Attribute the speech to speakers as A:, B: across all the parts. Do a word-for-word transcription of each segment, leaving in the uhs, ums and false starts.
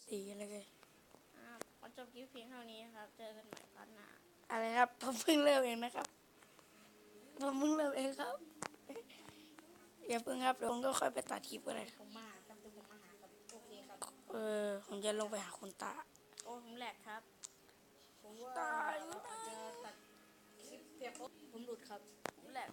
A: ดีอะไรกัน
B: อ่าขอจบคลิปเพียงเท่านี้ครับเจอกันใหม่พาร์ทหน้า
A: อะไรครับผมเพิ่งเริ่มเองนะครับผมเพิ่งเริ่มเองครับอย่าเพิ่งครับเดี๋ยวผมก็ค่อยไปตัดคลิปก็ได้
B: ผมมาครับเดี๋ยวผมมาหาครับโอเคครับ
A: เออผมจะลงไปหาคุณตา
B: โอ้ผมแหลกครับผมว่า
A: ตาย
B: เราอาจจะตัดคลิปเพียงโอ้ผมหลุดครับผมแหลก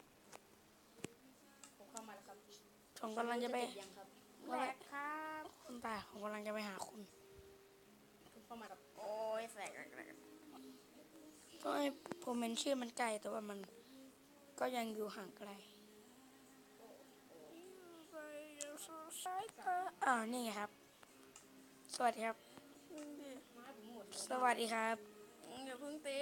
B: ผมเข้ามาแล้วครับ
A: ผมกำลังจะไป
B: ยังครับแหลกครับ
A: คุณตาผมกำลังจะไปหาคุณ
B: ผมเข้ามาครับโอ้ยแสกแหลก
A: ก็ให้ผมเห็นชื่อมันไกลแต่ว่ามันก็ยังอยู่ห่างไกลอ้าวนี่ไงครับสวัสดีครับสวัสดีครับ
B: อย่าเพิ่งตี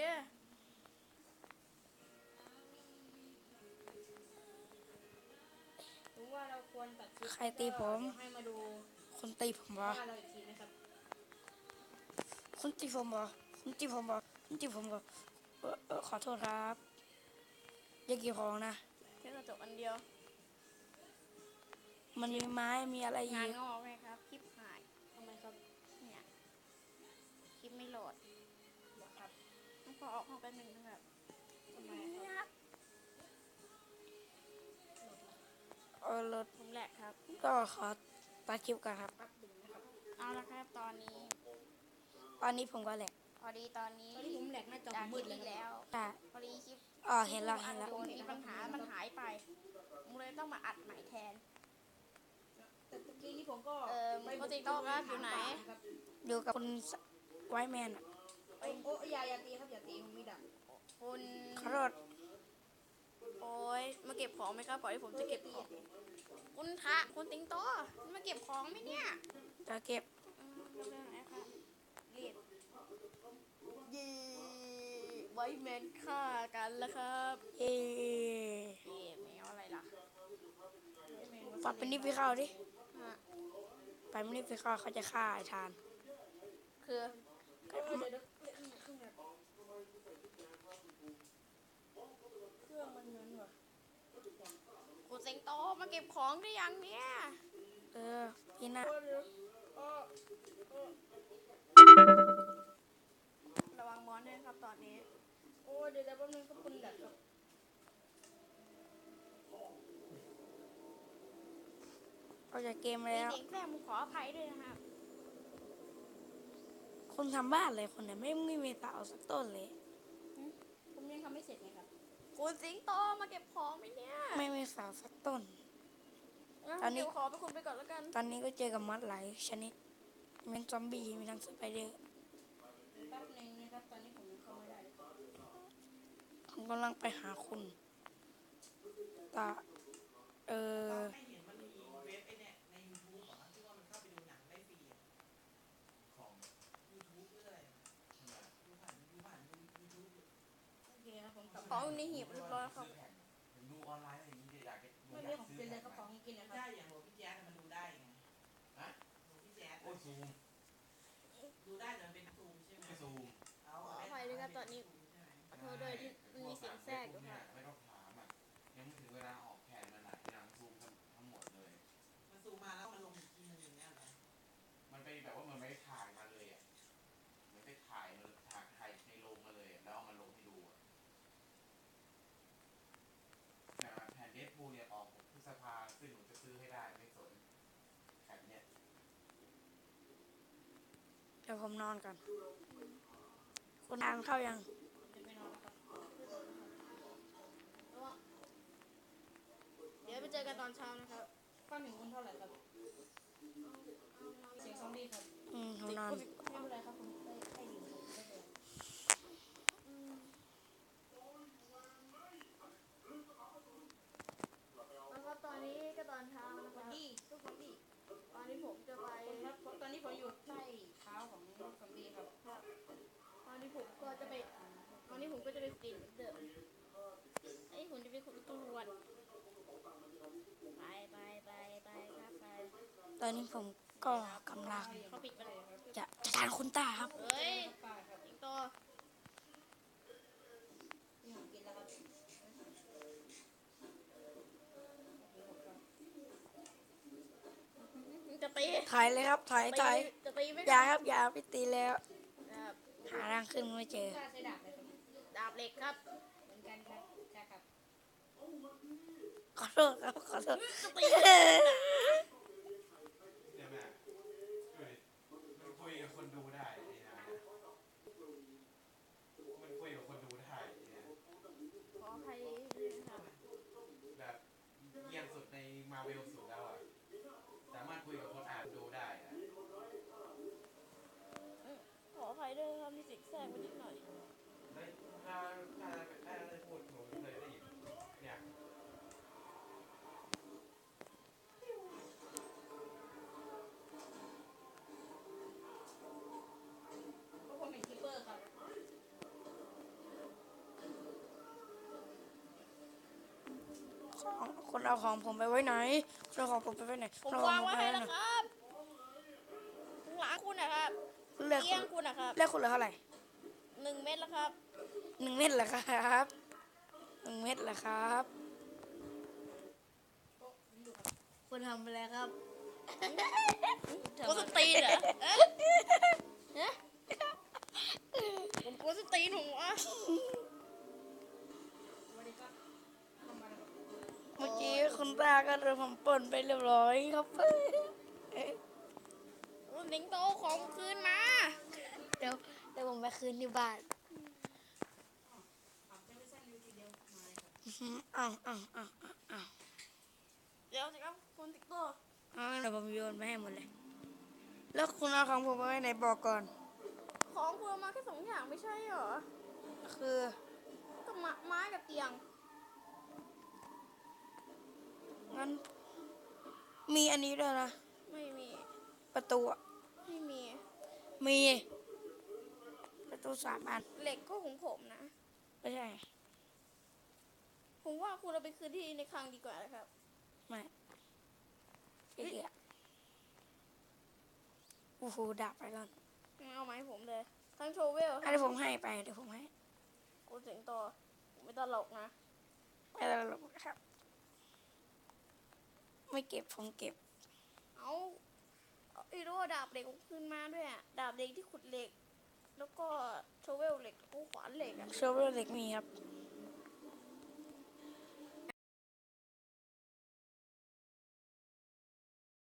B: ผมว่าเราควรตัดคลิป
A: ใครตีผม
B: ให้มาดู
A: คุณตีผมเหรอ
B: ว่าเราอีกทีนะครับ
A: คุณตีผมเหรอคุณตีผมเหรอคุณตีผมเหรอเออเออขอโทษครับอย่าเกี่ยวของนะ
B: แค่กระจกอันเดียว
A: มันมีไม้มีอะไรอี
B: งาน
A: ก
B: งอกไหมครับคลิปหายทำไมครับเนี่ยคลิปไม่โหลดครับต้องพอออกห้องแป๊บนึงนะครับทำไมครับ
A: เออรถ
B: ผมแหลกครับ
A: ก็ขอตัดคลิปกันครับ
B: เอาละครับตอนนี้
A: ตอนนี้ผมก็แหละ
B: พอดีตอนนี้ตอนนี้ผมแหลกหน้าจอมืดเลยแล้วพอดีคลิป
A: อ๋อเห็นแล้วเห็นแล้ว
B: มีปัญหามันหายไปผมเลยต้องมาอัดใหม่แทนแต่ตะกี้นี้ผมก็เออปกติโต๊ะครับอยู่ไหน
A: อยู่กับคุณไวแมนอ่ะ
B: โอ้ยอย่าอย่าตีครับอย่าตีผมมีดักคุณ
A: ขอโทษ
B: โอ้ยมาเก็บของไหมครับปล่อยให้ผมจะเก็บของคุณทะคุณติงโตมาเก็บของไหมเนี่ย
A: จะเก็บ
B: เรียดยี่ไวแมนฆ่ากันแล้วครับ
A: เอ๊
B: เอ๊แมวอะไรล่ะ
A: ปัดเป็นนิฟไปเข้าดิไปไม่นิฟไปเข้าเขาจะฆ่าไอ้ทาน
B: คือคุณสิงโตมาเก็บของได้ยังเนี่ย
A: เออพี่น่ะ
B: ระวังมอนด้วยครับตอนนี้โอ้เดี๋ยวแป๊บนึงครับคุณดัดครับ
A: เอาจากเกมแล้ว
B: เด็กแม่ผมขออภัยด้วยนะครับ
A: คุณทำบ้านเลยคนเนี่ยไม่ไม่มีเสาสักต้นเลย
B: ผมยังทำไม่เสร็จไงครับคุณสิงโตมาเก็บของไหมเนี่ย
A: ไม่มีเสาสักต้น
B: ตอนนี้ขอไปคุณไปก่อนแล้วกัน
A: ตอนนี้ก็เจอกับมอสหลายชนิดมีทั้งซอมบี้มีทั้งสไปเดอร์
B: แป๊บนึงนะครับตอนนี้ผมยังเข้าไม่ได้
A: ผมกำลังไปหาคุณตาเออ
B: ของในหีบเรียบร้อยครับ
C: ดูออนไลน์อะไรอย่างนี้อยากจะ
B: ไม่เรียกของกินเลยก็ของกินนะครับ
C: ได้อย่างโหลพี่แจ๊สมันดูได้ไงฮะโหลพี่แจ๊สโอ้ซูมดูได้แต่มันเป็นซูมใช่ไหมซูม
B: ขออภัยด้วยครับตอนนี้ขอโทษด้วยที่มีเสียงแทรกอยู่ค่ะ
C: ไม่ต้องถามอ่ะยังไม่ถึงเวลาออกแผนมันอ่ะยังซูมทั้งหมดเลยมันซูมมาแล้วมันลงอีกทีนึงอย่างเงี้ยเหรอมันเป็นแบบว่ามันไม่ถ่ายมาเลยอ่ะมันไปถ่ายมันถ่ายถ่ายในโรงมาเลยแล้วเอามาลงให้ดูอ่ะแผ่นเดสพูเนี่ยออกพฤษภาซึ่งหนูจะซื้อให้ได้ไม่สนแผ่นเนี่ย
A: เดี๋ยวผมนอนก่อนคุณทานเข้ายัง
B: เดี๋ยวไปเจอกันตอนเช้านะครับข้าวหนึ่งคุณเท่าไหร่ครับเสียงซอมบี้ครับ
A: อืมผมนอน
B: ไม่เป็นไรครับผมได้ให้อยู่ได้เลยแล้วก็ตอนนี้ก็ตอนเช้านะครับทุกคนดีตอนนี้ผมจะไปตอนนี้ผมอยู่ใต้เท้าของซอมบี้ครับตอนนี้ผมก็จะไปตอนนี้ผมก็จะไปปีนเดิมไอ้ผมจะไปขุดตรวจไปไปไปไปครับไป
A: ตอนนี้ผมก็กำลังจะจะทานคุณตาครับ
B: เฮ้ยสิงโตจะไปตี
A: ถ่ายเลยครับถ่าย
B: ตี
A: ถ่าย
B: จะตีไม่
A: อย่าครับอย่าไปตีแล้ว
B: ครับ
A: หาทางขึ้นไม่เจอ
D: ถ้าใช้ดาบเลยครับ
B: ดาบเหล็กครับ
D: เหมือนกันครับใช่ครับ
A: ขอโทษครับขอโทษ
B: จะตี
C: เนี่ยแม่ดูดิมันคุยกับคนดูได้ไอ้นะมันคุยกับคนดูได้เนี่ย
B: ขออภัยด้วยนะครับ
C: แบบเยี่ยมสุดในมาเวลสุดแล้วอ่ะสามารถคุยกับคนอ่านดูได้อะ
B: ขออภัยด้วยนะครับที่เสิงแทรกไปนิดหน่อย
C: เฮ้ยถ้าถ้าถ้าได้พูดหนูเคยได้ยินเนี่ย
D: เพราะผมเป็นคีเปอร์ครับ
A: ของคนเอาของผมไปไว้ไหนคนเอาของผมไปไว้ไหน
B: ผม
A: คนเอของ
B: วางไว้ให้
A: ไหน
B: แล้วครับข้างหลังคุณนะครับ
A: เลือก
B: เอี้ยงคุณนะครับ
A: เลือกคุณเหลือเท่าไหร่
B: หนึ่งเม็ดแล้วครับ
A: หนึ่งเม็ดเหรอครับหนึ่งเม็ดเหรอครับ คุณทำไปแล้วครับ
B: กูสตีนเหรอเอ๊ะเอ๊ะผมกูสตีนผมวะ
D: สวัสดีครับทำอะไรครับ
A: เมื่อกี้คุณตาก็โดนผมปล้นไปเรียบร้อยครับ
B: คุณสิงโตของคืนมา
A: เดี๋ยวเดี๋ยวผมไปคืนที่บ้าน
D: อ่ะเจมิสันยูทีเดียวมาเลยครับ
A: อื้อหืออ้าวอ้าวอ้าวอ้าวอ้าว
B: เดี๋ยวสิครับคุณสิงโต
A: อ้าวเดี๋ยวผมโยนไปให้หมดเลย แล้วคุณเอาของผมไปไว้ไหนบอกก่อน
B: ของคุณเอามาแค่สองอย่างไม่ใช่เหรอ
A: คือ
B: ก็ไม้ไม้กับเตียง
A: งั้นมีอันนี้ด้วยนะ
B: ไม่มี
A: ประตูอะ
B: ไม่มี
A: มี ประตูสามอัน
B: เหล็กก็ของผมนะ
A: ไม่ใช่
B: ผมว่าคุณเอาไปคืนที่ในคลังดีกว่านะครับ
A: ไม่ไอ้เหี้ยโอ้โหดาบไปก่อน
B: งั้นเอามาให้ผมเลย ทั้งโชเวล
A: อันนี้ผมให้ไปเดี๋ยวผมให้
B: คุณสิงโตผมไม่ตลกนะ
A: ไม่ต้องหลบนะครับ ไม่เก็บผมเก็บ
B: เอาเอาไอ้รู้ว่าดาบเหล็กผมคืนมาด้วยอะดาบเหล็กที่ขุดเหล็ก แล้วก็โชเวลเหล็กแล้วก็ขวานเหล็กอะ
A: โชเวอร์เล็กมีครับ
B: ม